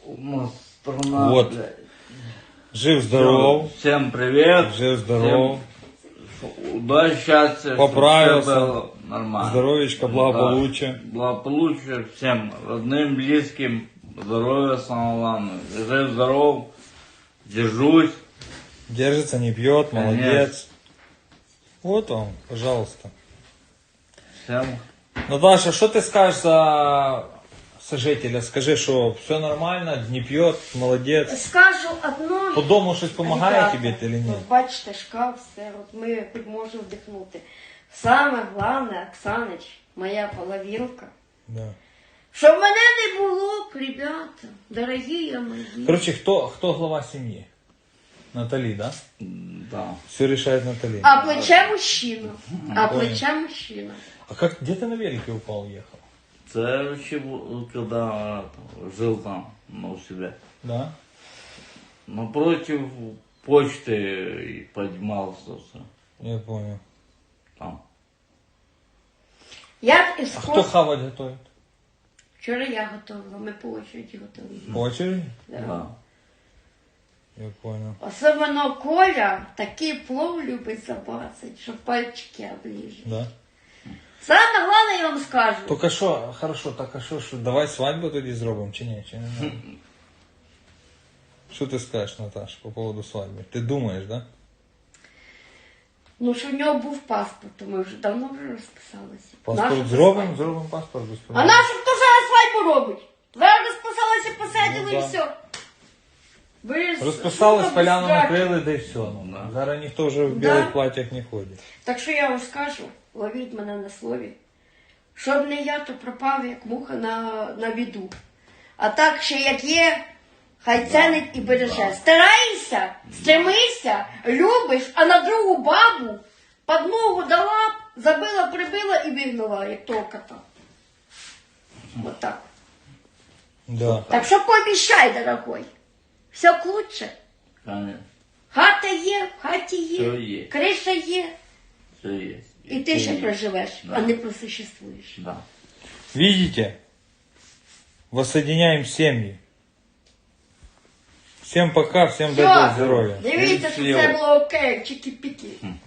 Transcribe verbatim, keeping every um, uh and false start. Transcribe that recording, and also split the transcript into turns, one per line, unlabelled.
У нас страна,
Вот.
блядь.
Жив-здоров.
Всем привет.
Жив-здоров.
Всем удачи, счастья.
Поправился.
Чтобы всё было нормально.
Здоровечка, благополучия.
Да. Благополучия всем родным, близким. Здоровья, самое главное. Жив-здоров. Держусь.
Держится, не пьет, молодец. Вот он, пожалуйста.
Всем.
Наташа, что ты скажешь за сожителя? Скажи, что все нормально, не пьет, молодец.
Скажу одно.
По дому щось допомагає
Ребята,
тобі чи ні?
от бачите, шкаф, все, от ми хоч можемо вдихнути. Саме головне, Оксанич, моя половинка.
Да.
Щоб мене не було, ребята, дорогі мої.
Короче, кто, кто глава семьи? Натали, да?
Да.
Все решает Натали.
А плече мужчина. А
Понял.
плече мужчина.
А как, где ты на велике упал, ехал?
Это вообще, когда жил там, ну, у себя.
Да?
Напротив почты и поднимался
Я понял.
там.
Я із
А кто хавать готовит?
Вчора я готувала, ми по очереді готували.
По очереди?
Да.
Да.
Я понял.
Особливо Коля такий плов любить забацать, що пальчики оближуть.
Да?
Саме головне, я вам скажу.
Только что, хорошо, так а что, что, давай свадьбу тоді зробимо, чи ні? Чи не надо? Що ти скажеш, Наташ, по поводу свадьби? Ти думаєш, да?
Ну, що в нього був паспорт, то ми вже давно вже розписалися.
Паспорт
Нашу
зробимо,
свадьбу.
зробимо паспорт без
А
проблем.
нашу хто зараз свадьбу робить? Зараз розписалися, посадили
Ну,
і
да.
все. Ви ж-
Розписались,
що
поляну
там
накрили, да і все. Ну,
Да.
зараз ніхто вже в
Да.
білих платьях не ходить.
Так що я вам скажу, ловіть мене на слові. Щоб не я, то пропав, як муха на, на біду. А так ще як є, хай ценить і береже. Старайся, стремися, любиш, а на другу бабу під ногу дала, забила, прибила і вигнала, як того кота. Вот так.
Да.
Так що пообіщай, дорогой. Все к лучше.
Конечно.
Хата є, в хаті є,
Все є.
криша є.
Все есть.
І ти ще
есть.
проживеш,
Да.
а не просуществуєш.
Да.
Видите? Воссоединяем семьи. Всем пока, всем доброго
Все,
здоровья.
дивіться, що
Счастливо.
це було окей, чики-піки.